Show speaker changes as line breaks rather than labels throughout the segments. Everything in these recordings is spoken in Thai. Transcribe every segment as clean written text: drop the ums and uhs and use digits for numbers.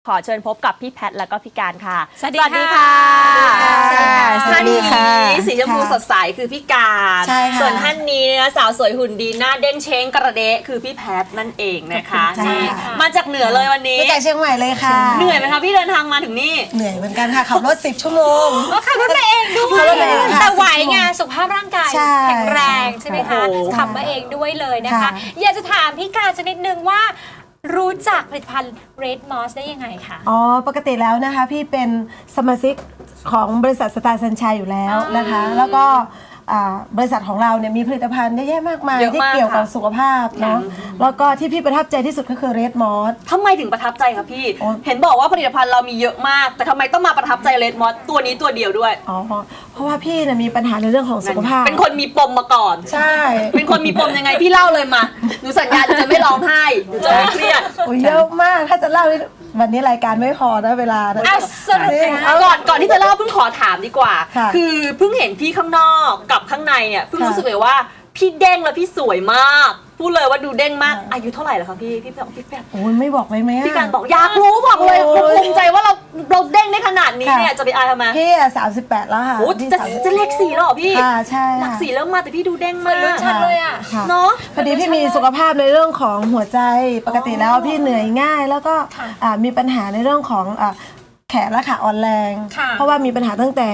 ขอเชิญพบกับพี่แพทและก็พี่การค่ะ
สวัสดีค่ะ
ท่านนี้สีชมพูสดใสคือพี่การส่วนท่านนี้สาวสวยหุ่นดีหน้าเด้งเช้งกระเดะคือพี่แพทนั่นเองนะคะมาจากเหนือเลยวันนี้
มาจากเชียงใหม่เลยค่ะ
เหนื่อยไหมคะพี่เดินทางมาถึงนี่
เหนื่อยเหมือนกันค่ะขับรถ10 ชั่วโมง
ขับรถมาเองด้วยแต่ไหวไงสุขภาพร่างกายแข็งแรงใช่ไหมคะขับมาเองด้วยเลยนะคะอยากจะถามพี่การสักนิดนึงว่ารู้จักผลิตภัณฑ์ Red Moss ได้ยังไงคะ
อ๋อปกติแล้วนะคะพี่เป็นสมาชิกของบริษัทสตาร์สัญชัยอยู่แล้วนะคะแล้วก็บริษัทของเราเนี่ยมีผลิตภัณฑ์เยอะแยะมากมายที่เกี่ยวกับสุขภาพเนาะแล้วก็ที่พี่ประทับใจที่สุดก็คือ Red Moss
ทำไมถึงประทับใจคะพี่เห็นบอกว่าผลิตภัณฑ์เรามีเยอะมากแต่ทำไมต้องมาประทับใจ Red Moss ตัวนี้ตัวเดียวด้วย
อ๋อเพราะว่าพี่เนี่ยมีปัญหาในเรื่องของสุขภาพ
เป็นคนมีปมมาก่อน
ใช่
เป็นคนมีปมยังไงพี่เล่าเลยมาหนูสัญญาจะไม่ร้องไห้หนูจะไม่เครียด
เยอะมากถ้าจะเล่าวันนี้รายการไม่พอนะเวลานะ
ก่อนที่จะเล่าเพิ่งขอถามดีกว่าคือเพิ่งเห็นพี่ข้างนอกกับข้างในเนี่ยเพิ่งรู้สึกเลยว่าพี่เด้งและพี่สวยมากพูดเลยว่าดูเด้งมากอายุเท่าไหร่แล้วคะพี่แบบ
โอ้ยไม่บอกเลยไหม
พี่การบอกอยากรู้บอกเลยภูมิใจว่าเราเด้งได้ขนาดนี้เนี่ยจะไปอายทำไม
พี่38แล้วค่ะ
จะเลข4แล้วเหรอพี่
ใช่
หลัก4แล้วมาแต่พี่ดูเด้งมาก
รุ่นชันเลยอ่ะ
เนาะ
พอดีพี่มีสุขภาพในเรื่องของหัวใจปกติแล้วพี่เหนื่อยง่ายแล้วก็มีปัญหาในเรื่องของแขนและขาอ่อนแรงเพราะว่ามีปัญหาตั้งแต่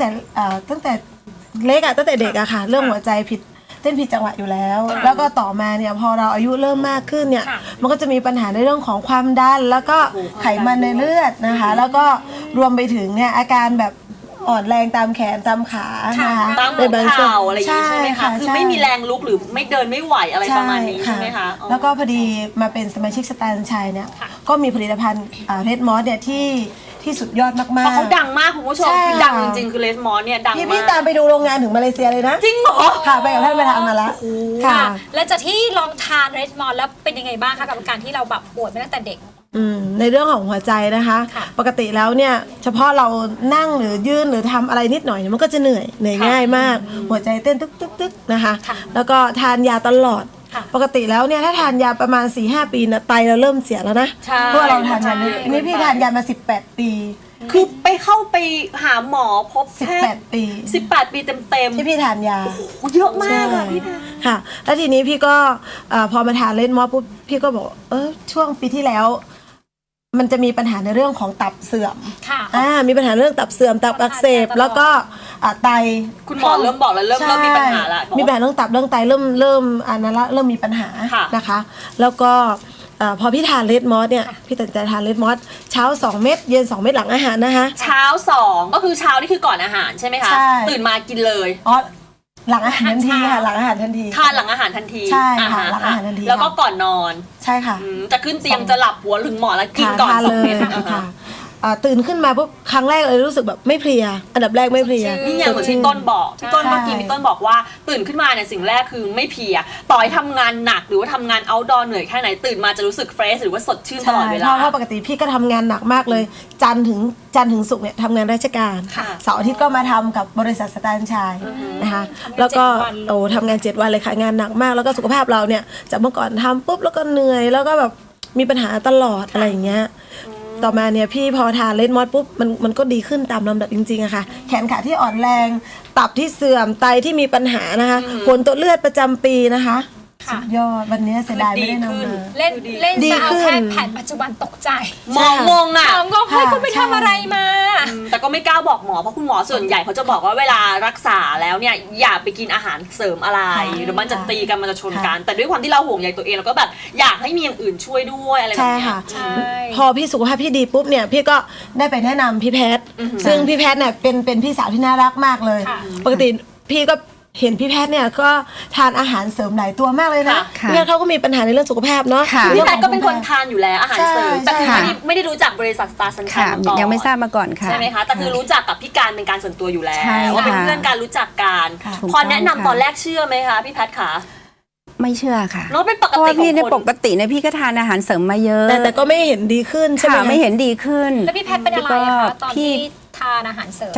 เล็กตั้งแต่เด็กอะค่ะเรื่องหัวใจเต้นผิดจังหวะอยู่แล้วแล้วก็ต่อมาเนี่ยพอเราอายุเริ่มมากขึ้นเนี่ยมันก็จะมีปัญหาในเรื่องของความดันแล้วก็ไขมันในเลือดนะคะแล้วก็รวมไปถึงเนี่ยอาการแบบอ่อนแรงตามแขนตามขานะคะ
ตามหัวเข่าอะไรอย่างนี้ใช่ไหมคะคือไม่มีแรงลุกหรือไม่เดินไม่ไหวอะไรประมาณนี้ใช่ไหมคะ
แล้วก็พอดีมาเป็นสมาชิกสตาร์ชัยเนี่ยก็มีผลิตภัณฑ์Red Mossเนี่ยที่สุดยอดมากๆ
เขาดังมากคุณผู้ชมคือดังจริงๆคือ Red Moss เนี่ยดังมาก
พี่ตามไปดูโรงงานถึงมาเลเซียเลยนะ
จริงเหรอ
ค่ะไปกับท่านไปทำมาแล้ว
ค่ะแล้วจากที่ลองทาน Red Moss แล้วเป็นยังไงบ้างคะกับการที่เราแบบป่วยมาตั้งแต่เด็ก
ในเรื่องของหัวใจนะคะปกติแล้วเนี่ยเฉพาะเรานั่งหรือยืนหรือทำอะไรนิดหน่อยมันก็จะเหนื่อยง่ายมากหัวใจเต้นตึกๆนะคะแล้วก็ทานยาตลอดปกติแล้วเนี่ยถ้าทานยาประมาณ 4-5 ปีนะไตเราเริ่มเสียแล้วนะเพราะเราทานยานี่พี่ทานยามา18 ปี
คือเข้าไปหาหมอพบ
18 ปี
18 ปีเต็ม
ที่พี่ทานยา
เยอะมากอะพี่
ค่ะแล้วทีนี้พี่ก็พอมาทานRed Mossปุ๊บพี่ก็บอกช่วงปีที่แล้วมันจะมีปัญหาในเรื่องของตับเสื่อมมีปัญหาเรื่องตับเสื่อมตับอักเสบแล้วก็ไต
คุณหมอเริ่มบอกแล้วเริ่มมีปัญหาแล้ว
มีปัญหาเรื่องตับเรื่องไตเริ่มอันนั้นละเริ่มมีปัญหานะคะแล้วก็พอพี่ทานRed Mossเนี่ยพี่ตัดใจทานRed Mossเช้า2 เม็ดเย็น2 เม็ดหลังอาหารนะคะ
เช้า2ก็คือเช้านี่คือก่อนอาหารใช่ไหมคะตื่นมากินเลย
หลังอาหารทันทีค่ะหลังอาหารทันที
ทานหลังอาหารทันที
ใช่ค่ะหลังอาหารทันที
แล้วก็ก่อนนอน
ใช่ค่ะ
จะขึ้นเตียงจะหลับหัวถึงหมอนแล้วกินก่อน2 เม็ด
ค่ะตื่นขึ้นมาปุ๊บครั้งแรกเลยรู้สึกแบบไม่เพลียอันดับแรกไม่เพลีย
นี่อย่างเหมือนพี่ต้นบอกพี่ต้นเมื่อกี้พี่ต้นบอกว่าตื่นขึ้นมาเนี่ยสิ่งแรกคือไม่เพลียต่อให้ทำงานหนักหรือว่าทำงานเอาท์ดอร์เหนื่อยแค่ไหนตื่นมาจะรู้สึกเฟรชหรือว่าสดชื่นตลอดเวลา
เพราะปกติพี่ก็ทำงานหนักมากเลยจันทร์ถึงศุกร์เนี่ยทำงานราชการเสาร์อาทิตย์ก็มาทำกับบริษัทสตาร์ชัยนะคะแล้วก็ทำงาน7 วันเลยค่ะงานหนักมากแล้วก็สุขภาพเราเนี่ยจากเมื่อก่อนทำปุ๊บแล้วก็เหนื่อยแล้วก็แบบมีปัญหาตลอดอะไรอย่างเงี้ยต่อมาเนี่ยพี่พอทานRed Mossปุ๊บมันก็ดีขึ้นตามลำดับจริงๆอะค่ะแขนขาที่อ่อนแรงตับที่เสื่อมไตที่มีปัญหานะคะผลตรวจเลือดประจำปีนะคะสุดยอดวันนี้เสียดายไม่ได้นำมา
เล่นสาวแพทย์แผนปัจจุบันตกใจ
มองอ่ะ
เฮ้ยคุณไปทำอะไรมา
แต่ก็ไม่กล้าบอกหมอเพราะคุณหมอส่วนใหญ่เขาจะบอกว่าเวลารักษาแล้วเนี่ยอย่าไปกินอาหารเสริมอะไรหรือมันจะตีกันมันจะชนกันแต่ด้วยความที่เราห่วงใยตัวเองเราก็แบบอยากให้มีอย่างอื่นช่วยด้วยอะไรแบบนี้
พอพี่สุขภาพพี่ดีปุ๊บเนี่ยพี่ก็ได้ไปแนะนำพี่แพทย์ซึ่งพี่แพทย์เนี่ยเป็นพี่สาวที่น่ารักมากเลยปกติพี่ก็เห็นพี่แพทย์เนี่ยก็ทานอาหารเสริมหลายตัวมากเลยนะพี่แพทย์เขาก็มีปัญหาในเรื่องสุขภาพเนาะ
พี่แพทย์ก็เป็นคนทานอยู่แล้วอาหารเสริมแต่คือไม่ได้รู้จักบริษัทสตาร์สัญชัยมาก่อน
ยังไม่ทราบมาก่อนค่ะ
ใช่ไหมคะแต่คือรู้จักกับพี่การเป็นการส่วนตัวอยู่แล้วว่าเป็นเพื่อนการรู้จักกันพอแนะนำตอนแรกเชื่อไหมคะพี่แพทย์คะ
ไม่เชื่อค่ะ
เนาะเป็นปกติ
พี่ในปกติเนี่ยพี่ก็ทานอาหารเสริมมาเยอะ
แต่ก็ไม่เห็นดีขึ้นใช่ไหม
ไม่เห็นดีขึ้น
แล้วพี่แพทย์เป็นอะไรคะตอนที่ทานอาหารเสริม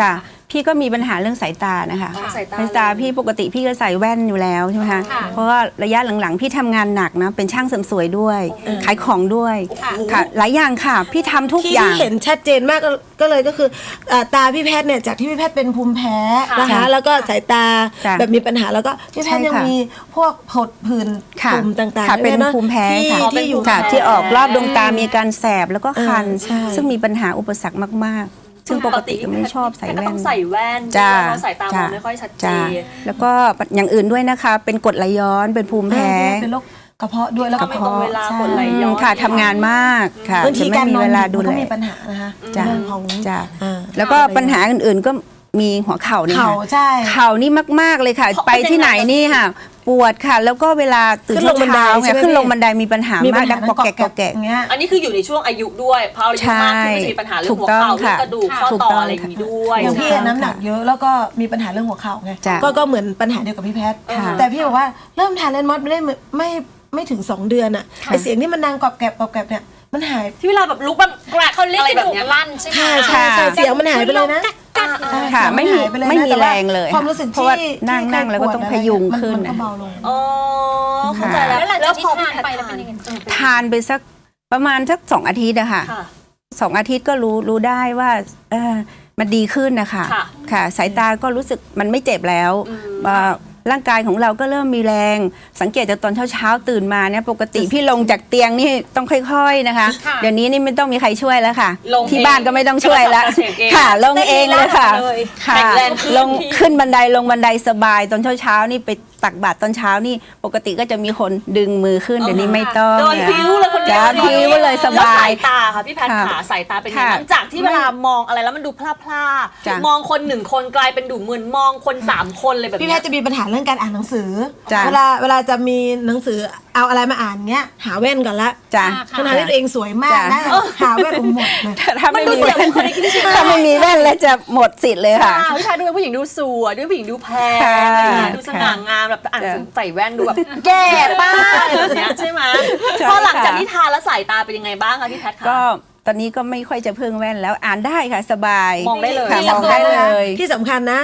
พี่ก็มีปัญหาเรื่องสายตานะคะ
อ๋อสายตา
สายตาพี่ปกติพี่ก็ใส่แว่นอยู่แล้วใช่ไหมคะ
ค่ะ
เพราะว่าระยะหลังๆ พี่ทำงานหนักนะเป็นช่างเสริมสวยด้วย ขายของด้วย
ค่ะ
ค่ะหลายอย่างค่ะ พี่ทำทุก
ที่
อย่าง
เห็นชัดเจนมากก็เลยก็คือตาพี่แพทย์เนี่ยจากที่พี่แพทย์เป็นภูมิแพ้นะคะ
ค่ะ
แล้วก็สายตา
จ้ะ
แบบมีปัญหาแล้วก็พี่แพทย์
ใช่
ยัง
ค่ะ
มีพวกผดผื่น
ค่ะ
ตุ่มต่างๆ
ค่ะเป็น
ด้วยะ
ภูมิแพ้
ที่
ค่ะ
ที่อยู่
ค่ะที่ออกรอบดวงตามีการแสบแล้วก็คัน
ใช่
ซึ่งมีปัญหาอุปสรรคมากๆ ซึ่งปกติก็ไม่ชอบใส่
ก็
แว่
ต้อน งใส่แว่น
จ้า
เพราะสายตามองไม่ค่อยชัดเจ
จ้าน แล้วก็อย่างอื่นด้วยนะคะ เป็นกรดไหลย้อนเป็นภูมิแพ้
เป็นโรคกระเพาะด้วยแล้วก็
ไม่ตรงเวลา
ใช่
กดไหลย้อน
ค่ะทำงานมากค่ะ
บางที
จะไม่
การ
มี
นอน
เวลา
ดึ
ดู
กมัน
แล
ก็มีปัญหานะคะ
จ้ะ
เรื่องของ
จ้ะ
อ่า
แล้วก็ปัญหาอื่นๆก็มีหัวเข่านี่
เข่า
ค่ะ
ใช่
เข่านี่มากๆเลยค่ะ
เขา
ไปที่ไหน
เป็นยังไง
นี่ค่ะ ปวดค่ะ แล้วก็เวลาตื่น
ขึ้นลงบันได
เช้า
ใช่ไหม
ขึ้นลง
พี่
บันไดมีปัญหา
มีปั
มา
ญ
ก
หา
ดังปอกแกะปอกแกะ
อย่างเงี้ย
อันนี้คืออยู่ในช่วงอายุด้วยพออายุมากขึ้นก็จะมีปัญหาเรื่องหัวเข่าเรื่องกระดูกข้อ
ถูก
ต่อ
ต้อง
อะไรอย่างนี้ด้วย
อย่างพี่
ถูกต้อง
น้ำหนักเยอะแล้วก็มีปัญหาเรื่องหัวเข่าไง
จ้ะ
ก็เหมือนปัญหาเดียวกับพี่แพทย์
ค่ะ
แต่พี่บอกว่าเริ่มทานเลนมอสไม่ได้ไม่ถึง 2 เดือนอะไอเสียงที่มันดังกรอบแกรบกรอบแกรบเนี่ยมันหาย
ที่เวลาแบบลุกแบบแกรก
เขาเรียก
อะไร
กระ
แบบ
ดูก
เนี้ย
ลั่นใช่ไหม
ใช่เสียงมันหายไปเลยนะ
กัก
ค่ะ
เสียงน
ไม่มี
หายปเลยนะ
ไม่มี
แต่ว่า
แรงเลย
ความรู้สึก
เพราะว่า
ที่
นั่ง
ที่
นั่งแล้วก็ต้อง
เค
พ
ยป
ยุ
วด
ง
อะไร
ขึ้น
มันก็เบาลง
อ๋อเข้าใจแล้ว
แล้วหลังจาก
พอ
ที่ทานไปแล้วเป็นยังไง
ทานไปสักประมาณสัก2 อาทิตย์อะค่ะ
ค่ะ
2 อาทิตย์ก็รู้ได้ว่ามันดีขึ้นนะคะ
ค่ะ
ค่ะสายตาก็รู้สึกมันไม่เจ็บแล้ว
อืม
ร่างกายของเราก็เริ่มมีแรง สังเกตจากตอนเช้าตื่นมาเนี่ยปกติพี่ลงจากเตียงนี่ต้องค่อยๆนะคะ
ค่ะ
เดี๋ยวนี้นี่ไม่ต้องมีใครช่วยแล้วค่ะ
ลง
ที่บ้านก็ไม่ต้องช่วยแล้ว
กระสับกระเฉงเอง
ค่ะ ลงเองเลยค่ะ
ได้ดีแล้วเลย
ค่ะ
แข็งแรงขึ้น
ลงขึ้นบันไดลงบันไดสบายตอนเช้านี่ไปตักบาตรตอนเช้านี่ปกติก็จะมีคนดึงมือขึ้นเดี๋ยวนี้ไม่ต้อง
โดนพิ้วเลยคนเดียว
จ้าพิ้วเลยสบาย
แล้วสายตาค่ะพี่แพทย์
ค่ะ
ขาสายตาเป็นยังไง
ค่ะ
บ้างจากที่เวลามองอะไรแล้วมันดูพล่า
จ้ะ
ๆมองคน1 คนกลายเป็นดูเหมือนมองคน3 คนเลยแบบ
พี่แพ
เนี้
ท
ย
ย์จะมีปัญหาเรื่องการอ่านหนังสือ
จ้ะ
เวลาจะมีหนังสือเอาอะไรมาอ่านเงี้ยหาแว่นก่อนละ
จ้ะ
ขณะที่ตัวเองสวยมากนะ
จ้ะ
หาแว่นผมหมดเลย
ถ้าไม่มีแว่น
มันดูเสียบุคลิกใช่ไหม
ถ้าไม่มีแว่นแล้วจะหมดสิทธิ์เลยค่ะ
ผู้ชายดูเป็นผู้หญิงดูสวยดูผู้หญิงดูแพง
ค่ะ
อะไรอย่างเงี้ยดูสง่างามแบบอ่านหนังสือใส่แว่นดูแบบแก่ป้าแบบเนี้ยใช่ไหม
ใช่
พอหลังจาก
ค่ะ
ที่ทานแล้วสายตาเป็นยังไงบ้างคะพี่แพทย์คะ
ก็ตอนนี้ก็ไม่ค่อยจะพึ่งแว่นแล้วอ่านได้ค่ะสบาย
มองได้เลย
ค่ะมองได้เลย
ที่สำคัญนะ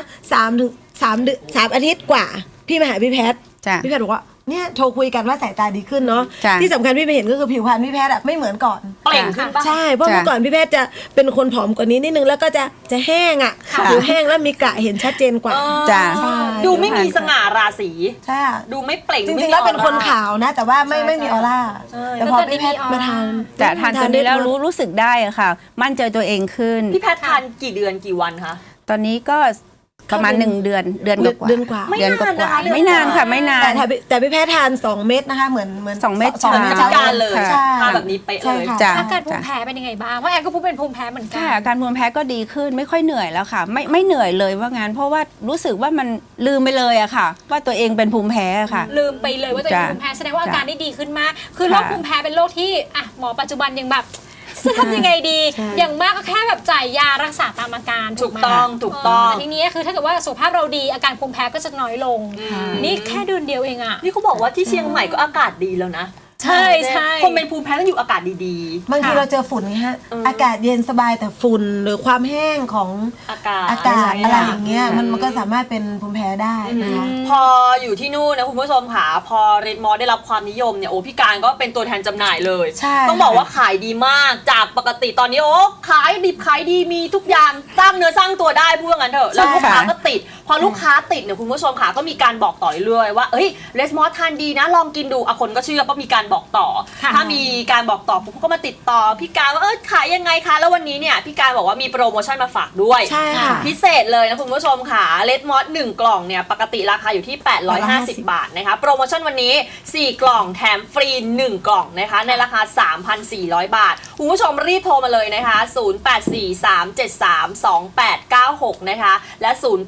3 อาทิตย์กว่า พี่มาหาพี่แพทย์
จ้ะ
พี่แพทย์บอกว่าเนี่ยโทรคุยกันว่าสายตาดีขึ้นเนาะ
จ้ะ
ที่สำคัญพี่ไปเห็นก็คือผิวพรรณพี่แพทย์อะไม่เหมือนก่อน
เปล่งขึ้นปะ
ใช่เพราะ
จ้ะ
เมื่อก่อนพี่แพทย์จะเป็นคนผอมกว่านี้นิดนึงแล้วก็จะแห้งอ่ะ
ค่ะ
ผิวแห้งแล้วมีกระเห็นชัดเจนกว่า
จ้ะ
ใช่
ดูไม่มีสง่าราศี
ใช่อะ
ดูไม่เปล่ง
จ
ดูไม่
ริงๆ
มี
แล้วเป็นคน
ออร่
ขาวนะ แต่ว่าไม่มีออร่าแต่พอพี่แพทย์มาทาน
แต่ทานตัวนี้แล้ว
ได้
รู้สึกได้อะค่ะ มั่นใจตัวเองขึ้น
พี่แพทย์ทานกี่เดือนกี่วันคะ
ตอนนี้ก็ประมาณ1 เดือนกว่า
เดือนกว่า
ไม่
เดือนก
นานนะคะ
ว่า
เดือน
ไม่นานค่ะไม่นาน
แต่พี่แพทย์ทาน2 เม็ดนะคะเหมือน
2 เม็ด
สอง
เหมือนพิการเลย
ใช่
ทานแบบนี้เป๊ะ
ใช่
เลย
ค่ะ
จ้ะ
อาการภูมิแพ้เป็นยังไงบ้างเพราะแอนก็พูดเป็นภูมิแพ้เหมือนกั
ค่ะอาการภูมิแพ้ก็ดีขึ้นไม่ค่อยเหนื่อยแล้วค่ะ ไม่เหนื่อยเลยว่างั้นเพราะว่ารู้สึกว่ามันลืมไปเลยอะค่ะ ว่าตัวเองเป็นภูมิแพ้อะค่ะ
ลืมไปเลยว่าตัวเอง
จ้ะ
ภูมิแพ้แสดงว่าอาการ
จ้ะ
ได้ดีขึ้นมาก คือโรค
ค่ะ
ภูมิแพ้เป็นโรคที่อ่ะหมอปัจจุบันยังแบบจะทำยังไงดี
ใช่
อย่างมากก็แค่แบบจ่ายยารักษาตามอาการ
ถูก
ไหม
ต้องถูกต้อง
แต่ทีนี้คือถ้าเกิดว่าสุขภาพเราดีอาการภูมิแพ้ก็จะน้อยลง นี่แค่เดือนเดียวเองอะ
นี่เขาบอกว่าที่เชียงใหม่ก็อากาศดีแล้วนะ
ใช่ใช่
คนเป็นภูมิแพ้ต้องอยู่อากาศดี
บางทีเราเจอฝุ่นไงฮะ อากาศเย็นสบายแต่ฝุ่นหรือความแห้งของ
ๆ อากาศ
อะไรอย่างเงี้ยมันก็สามารถเป็นภูมิแพ้ได้นะคะ
พออยู่ที่นู่นนะคุณผู้ชมค่ะพอเรดมอสได้รับความนิยมเนี่ยโอ้พี่การก็เป็นตัวแทนจำหน่ายเลย
ใช่
ต้องบอกว่าขายดีมากจากปกติตอนนี้โอ้ขายดิบขายดีมีทุกอย่างสร้างเนื้อสร้างตัวได้พูดงั้นเถอะแล้วลูกค้าก็ติด พอลูกค้าติดเนี่ยคุณผู้ชมค่ะก็มีการบอกต่อเรื่อยๆว่าเอ้ยเรดมอสทานดีนะลองกินดูอ่ะคนก็เชื่อเพราะมีการบอกต่อ
ค่ะ
ถ้ามีการบอกต่อปุ๊บก็มาติดต่อพี่การว่าขายยังไงคะแล้ววันนี้เนี่ยพี่การบอกว่ามีโปรโมชั่นมาฝากด้วย
ใช่ค่ะ
พิเศษเลยนะคุณผู้ชมค่ะเลดมอส1 กล่องเนี่ยปกติราคาอยู่ที่ 850 บาทนะคะโปรโมชั่นวันนี้ 4 กล่องแถมฟรี 1 กล่องนะคะในราคา 3,400 บาท คุณผู้ชมรีบโทรมาเลยนะคะ 0843732896 นะคะและ 0837748599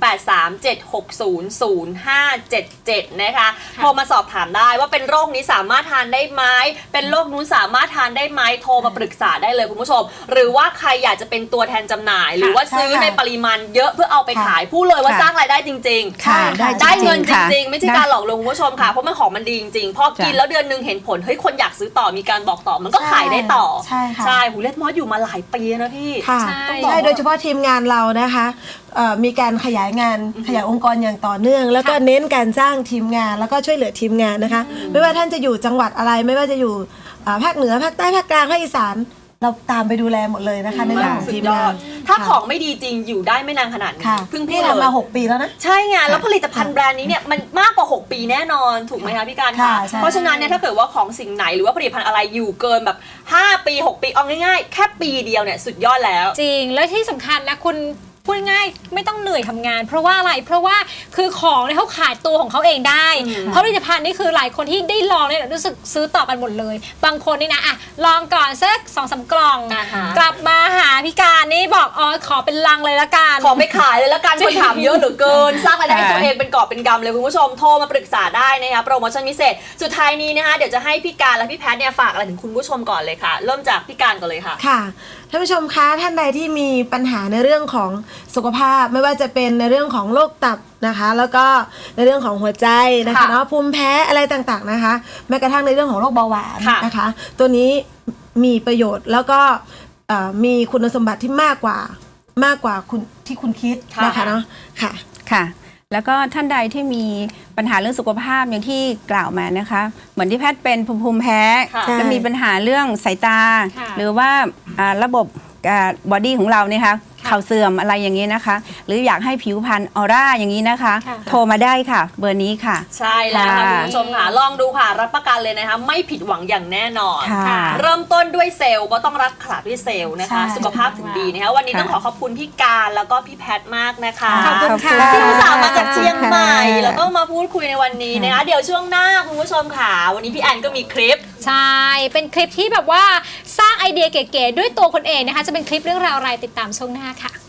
037600577 นะคะโทรมาสอบถามได้ว่าเป็นโรคนี้สามารถทานได้ไหมเป็นโรคนู้นสามารถทานได้ไหมโทรมาปรึกษาได้เลยคุณผู้ชมหรือว่าใครอยากจะเป็นตัวแทนจำหน่าย หรือว่าซื้อในปริมาณเยอะเพื่อเอาไปขายพูดเลยว่าสร้างรายได้จริงๆ
ค่ะ
ได้เงินจ
ค่ะ
ริงๆ ไม่ใช่การหลอกลวงคุณผู้ชมค่ะเพราะมันของมันดีจริงๆพอกินแล้วเดือนนึงเห็นผลเฮ้ยคนอยากซื้อต่อมีการบอกต่อมันก็ขายได้ต่อ
ใช่ค่ะ
ใช่หูเลดมอสอยู่มาหลายปีนะพี่
ค่ะ
ใช่
ใช่โดยเฉพาะทีมงานเรานะคะมีการขยายงานขยายองค์กรอย่างต่อเนื่อง แล้วก็เน้นการสร้างทีมงานแล้วก็ช่วยเหลือทีมงานนะคะ ไม่ว่าท่านจะอยู่จังหวัดอะไรไม่ว่าจะอยู่ภาคเหนือภาคใต้ภาคกลางภาคอีสานเราตามไปดูแลหมดเลยนะคะในเรื่องของ
สุ
ที
ด
ม
ย
งา
อน ดถ้าของไม่ดีจริงอยู่ได้ไม่นานขนาดนี้
ค่ะ
เพิ่ง
พี่
พูด
ทำมา
เลย
6 ปีแล้วนะ
ใช่ไงแล้วผลิตภัณฑ์แบรนด์นี้เนี่ยมันมากกว่า 6 ปีแน่นอนถูกไหมคะพี่การ
ค่ะ
คะ
ใช่
เพราะฉะนั้นเนี่ยถ้าเกิดว่าของสิ่งไหนหรือว่าผลิตภัณฑ์อะไรอยู่เกินแบบ5 ปี 6 ปีเอาง่ายๆแค่ปีเดียวเนี่ยสุดยอดแล้ว
จริงแล้วที่สำคัญนะคุณพูดง่ายไม่ต้องเหนื่อยทำงาน เพราะว่าอะไรเพราะว่าคือของเนี่ยเขาขายตัวของเขาเองได้ เพราะผลิตภัณฑ์นี่คือหลายคนที่ได้ลองเนี่ยรู้สึกซื้อต่อกันหมดเลย บางคนนี่นะอ่ะลองก่อนสัก2-3 กล่อง
อ่าฮะ
กลับมาหาพี่การนี่บอกอ๋อขอเป็นลังเลยละกัน
ของไปขายเลยแล้วกันคนถามเยอะเหลือเกิน สร้างรายได้ให้
ค่ะ
ตัวเองเป็นกอบเป็นกำเลยคุณผู้ชมโทรมาปรึกษาได้นะคะโปรโมชั่นพิเศษสุดท้ายนี้นะคะเดี๋ยวจะให้พี่การและพี่แพทเนี่ยฝากอะไรถึงคุณผู้ชมก่อนเลยค่ะ เริ่มจากพี่การก่อนเลยค่ะ
ค่ะท่านผู้ชมคะท่านใดที่มีปัญหาในเรื่องของสุขภาพไม่ว่าจะเป็นในเรื่องของโรคตับนะคะ แล้วก็ในเรื่องของหัวใจนะคะ
ค่ะ
เนาะภูมิแพ้อะไรต่างๆนะคะแม้กระทั่งในเรื่องของโรคเบาหวาน
ค่ะ
นะคะ ตัวนี้มีประโยชน์แล้วก็มีคุณสมบัติที่มากกว่าคุณที่คุณคิดนะคะเนาะค่ะ
ค่ะ แล้วก็ท่านใดที่มีปัญหาเรื่องสุขภาพอย่างที่กล่าวมานะคะ เหมือนที่แพทย์เป็นภูมิแพ้
ค่ะ
และมีปัญหาเรื่องสายตา
ค่ะ
หรือว่าระบบบอดี้ของเราเนี่ยค่ะเข่าเสื่อมอะไรอย่างนี้นะคะ หรืออยากให้ผิวพรรณออร่าอย่างนี้นะคะ
ค่ะ
โทรมาได้ค่ะ เบอร์นี้ค่ะ
ใช่แล้วค่ะ
ค่ะ
คุณผู้ชมค่ะลองดูค่ะรับประกันเลยนะคะไม่ผิดหวังอย่างแน่นอน
ค่ะ
เริ่มต้นด้วยเซลล์ก็ต้องรักษาด้วยเซลล์นะคะ
ใช่
สุขภาพถึงดีนะคะวันนี้ต้องขอขอบคุณพี่การแล้วก็พี่แพทมากนะคะ
ขอบคุณค่ะ
ที่อุตส่าห์มาจากเชียงใหม่
ขอบคุณค่ะ
แล้วก็มาพูดคุยในวันนี้นะคะเดี๋ยวช่วงหน้าคุณผู้ชมค่ะวันนี้พี่แอนก็มีคลิป
ใช่ เป็นคลิปที่แบบว่าสร้างไอเดียเก๋ๆด้วยตัวคนเองนะคะ จะเป็นคลิปเรื่องราวอะไรติดตามช่วงหน้าค่ะ